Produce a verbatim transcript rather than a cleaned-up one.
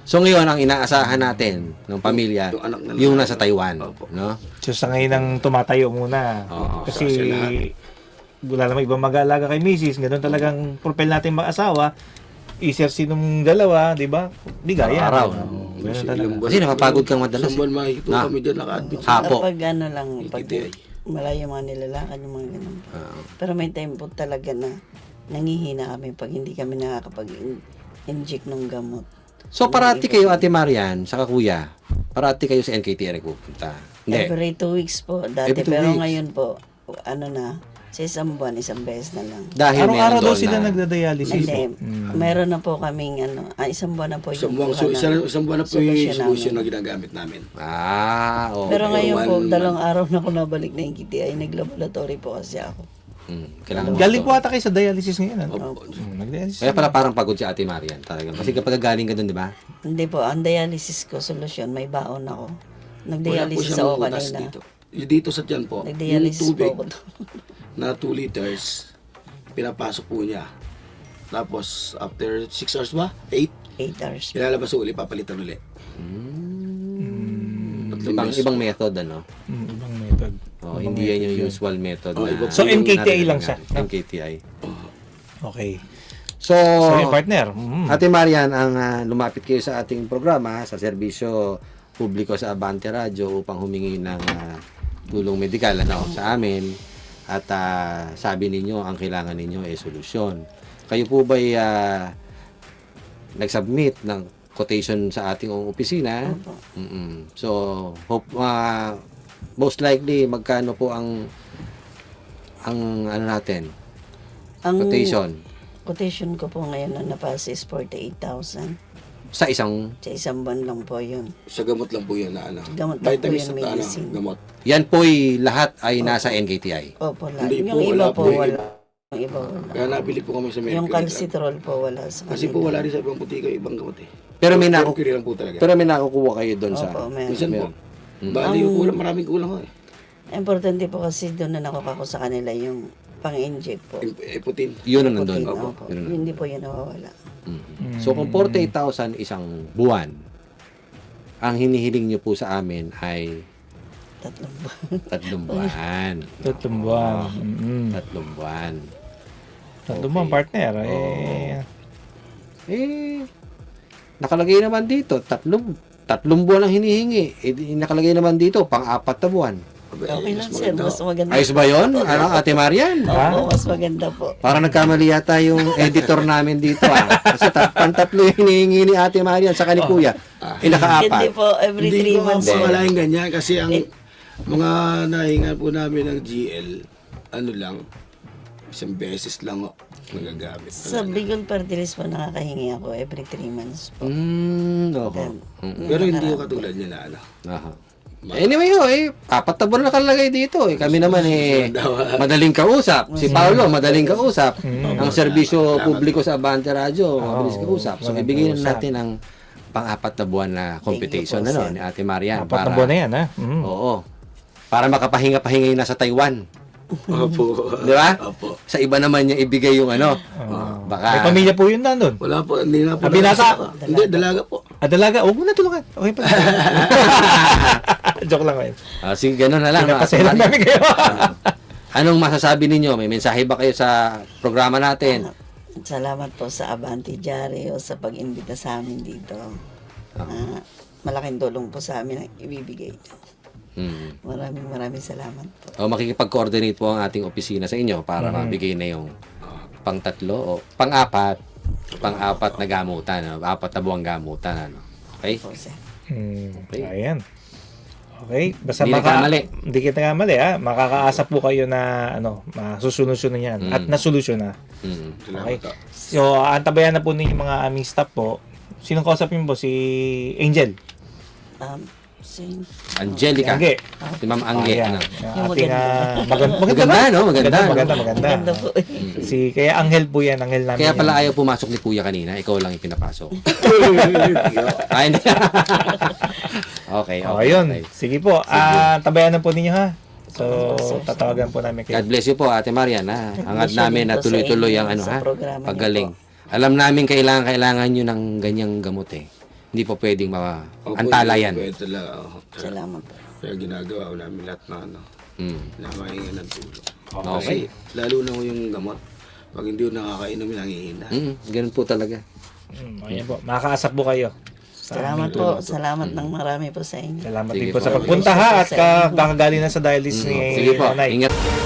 So ngayon ang inaasahan natin ng pamilya Yung anak na yung lalaki. nasa Taiwan, Opo. no? So sa ngayon ang tumatayo muna. Oo, Kasi sa lahat. wala namang ibang mag-aalaga kay Missus Ganun talagang propel natin mag-asawa. Isersi nung dalawa, di ba? Di gaya. Araw. Oo, ganun Kasi talaga. ilang buwan- Kasi napapagod kang madalas, Isang buwan makikita Na. kami dyan naka-admit. Hapo. Kapag ano lang, pag K T I. malayo mga nilalakad yung mga ganun. Oo. Pero may time po talaga na nangihina kami pag hindi kami nakakapag-inject ng gamot. So parati kayo, Ate Marian, saka Kuya, parati kayo sa N K T I nagpupunta. Hindi. Every two weeks po dati. Every two Pero weeks. ngayon po, ano na, sa isang buwan, isang beses na lang. Dahil Araw-araw meron daw doon sila na- nagda-dialysis. Hindi, Mm. meron na po kaming ano, ah, isang buwan na po Isang yung buwan, kuha so, na- isang, isang buwan na po yung solusyon solution namin. na ginagamit namin. Ah, okay. Pero ngayon po, One dalawang araw na ako nabalik na yung K T I, nag-laboratory po kasi ako. Hmm, kailangan mo Galing ito. po ata kayo sa dialysis ngayon. Ano? Opo. Mm, nag-dialysis. Kaya pala parang pagod si Ate Marian talaga. Kasi kapag galing ka doon, di ba? Hindi po, ang dialysis ko, solusyon, may baon ako. Wala po Nag-dialysis siyang ako butas kanina. dito. Yung dito sa tiyan po, yung Nag-dialysis po tubig ako doon. na two liters, pinapasok po niya. Tapos, after six hours ba? eight, eight hours. ilalabas uli, papalitan uli. Tatlong Ibang, beses. ibang method, ano? Mm, ibang method. Oh, hindi yan yung usual method Oh, na... iba- So, N K T I lang siya? N K T I. Okay. So, So, yung partner. Mm. Ate Marian, ang ah, lumapit kayo sa ating programa sa serbisyo publiko sa Abante Radio upang humingi ng ah, tulong medikal ano, sa amin at ah, sabi ninyo ang kailangan ninyo ay solusyon. Kayo po ba nag-submit ng quotation sa ating opisina? Opo. Mm-mm. So, hope, ah, most likely magkano po ang ang ano natin, Ang quotation quotation ko po ngayon na napasa is forty-eight thousand. sa isang Sa isang buwan lang po yun. Sa gamot lang po yun na ano. Gamot lang po Vitamins yun, at ano, medicine. gamot. yan po'y lahat ay nasa N K T I. Opo, lahat. Hindi Yung po, iba wala po, po. wala. Yung iba wala. Kaya nabili po kami sa Mercury. Yung lang. calcitrol po wala sa Kasi po wala rin sa ibang putika, ibang gamot eh. Pero may naku Mercury lang po talaga. pero may nakukuha kayo doon sa Opo, meron. Minsan po. Mm. Bali, yung kulang, maraming kulang ko eh. Importante po kasi doon na nakuha ko sa kanila yung pang-inject po. Ip- Iputin. yun ang nandun. Putin, Opo. opo. Yun ang- Hindi po yun nawawala. Mm. So kung forty-eight thousand isang buwan, ang hinihiling nyo po sa amin ay Tatlong buwan. tatlong buwan. Tatlong buwan. Mm. Tatlong buwan. Tatlong buwan, partner. Eh, Eh, nakalagay naman dito, tatlong, tatlong buwan ang hinihingi. Eh, di- nakalagay naman dito, pang-apat na buwan. Abay, Okay mas lang sir, maganda. mas maganda. Ayos ba yun? Ano, Ate Marian? Opo, mas maganda po. Parang nagkamali yata yung editor namin dito ah. Kasi ta- pantatlo yung hinihingi ni Ate Marian sa ni Kuya. Eh, Hindi nakaapat. po, every Hindi three ko months. po po. malaking ganyan kasi ang Eh. mga nahinga po namin ng G L, ano lang, isang beses lang o nagagamit. Sa Bicol Party List po, nakakahingi ako every three months po. Mm, okay. Mm. Pero hindi ko katulad niya na ano. Aha. Anyway, ho, eh, apat na buwan na nakalagay dito. Eh. Kami naman eh, madaling kausap. Si Paolo, madaling kausap. Ang serbisyo publiko sa Abante Radio, mabilis kausap. So, madaling ibigay na kausap. natin ang pang-apat na buwan na computation po, ano, sir. ni Ate Marian. apat na buwan na yan, ha? Mm. Oo. Para makapahinga-pahinga yung nasa Taiwan. Opo. Di ba? Opo. Sa iba naman niya ibigay yung ano. May Baka. pamilya po yun na doon. Wala po, hindi na po. Ah, binata? Hindi, dalaga po. Ah, dalaga. Huwag mo na tulungan. Okay pa. Joke lang ngayon. Ah, sige, ganun na lang. Ate Pinapaselan Marian. namin kayo. Anong masasabi ninyo? May mensahe ba kayo sa programa natin? Salamat po sa Abante Diario sa pag-imbita sa amin dito. Ah, malaking tulong po sa amin ang ibibigay. Hmm. Maraming maraming salamat po. O makikipag-coordinate po ang ating opisina sa inyo para mabigay na yung pang-tatlo o pang-apat, pang-apat na gamutan, ano? Apat na buwang gamutan, ano? Okay? Po, sir. Hmm, Okay. ayan. Okay, basta Hindi maka, nagkamali. Hindi kita nagkamali, ha? Makakaasa po kayo na ano, masusunod-sunod yan Mm. at nasolusyon na. Hmm. Salamat Okay. po. So, antabayan na po ninyo yung mga aming staff po. Sinong kausapin po? Si Angel. Um, sing, Angelica. Angge. Si Ma'am Angge. Ayan. Ano? Yung Yung ating, maganda. ah, maganda, maganda, Maganda, ba? no? Maganda. Maganda, maganda. maganda po. Si, kaya Angel po yan, Angel namin. Kaya yan. pala ayaw pumasok ni Kuya kanina. Ikaw lang yung pinapasok. Ay, hindi. Okay, O, okay. ayun. okay. Sige po. Ah, tabayan na po ninyo, ha? So, tatawagan po namin kayo. God bless you po, Ate Marian. Ha? Hangad bless you namin din na po sa tuloy-tuloy inyo, ang ano, sa ha? programa niyo Paggaling. Alam namin kailangan kailangan nyo ng ganyang gamot eh. hindi po pwedeng ma Opo, antala yan. Pwede talaga. oh. Kaya, Salamat po. kaya ginagawa ko namin lahat na ano, Mm. na mahinga ng tulong. Okay. Kasi lalo na ko yung gamot. Pag hindi ko nakakainom, nangihina. Mm, ganun po talaga. Mm, ayan po. Makakaasap po kayo. Sa Salamat aming po. tulong. Salamat ng marami po sa inyo. Salamat Sige din po po. sa pagpunta ha at Sa inyo. kakagaling na sa dialysis ni Sige po, Nanay. ingat.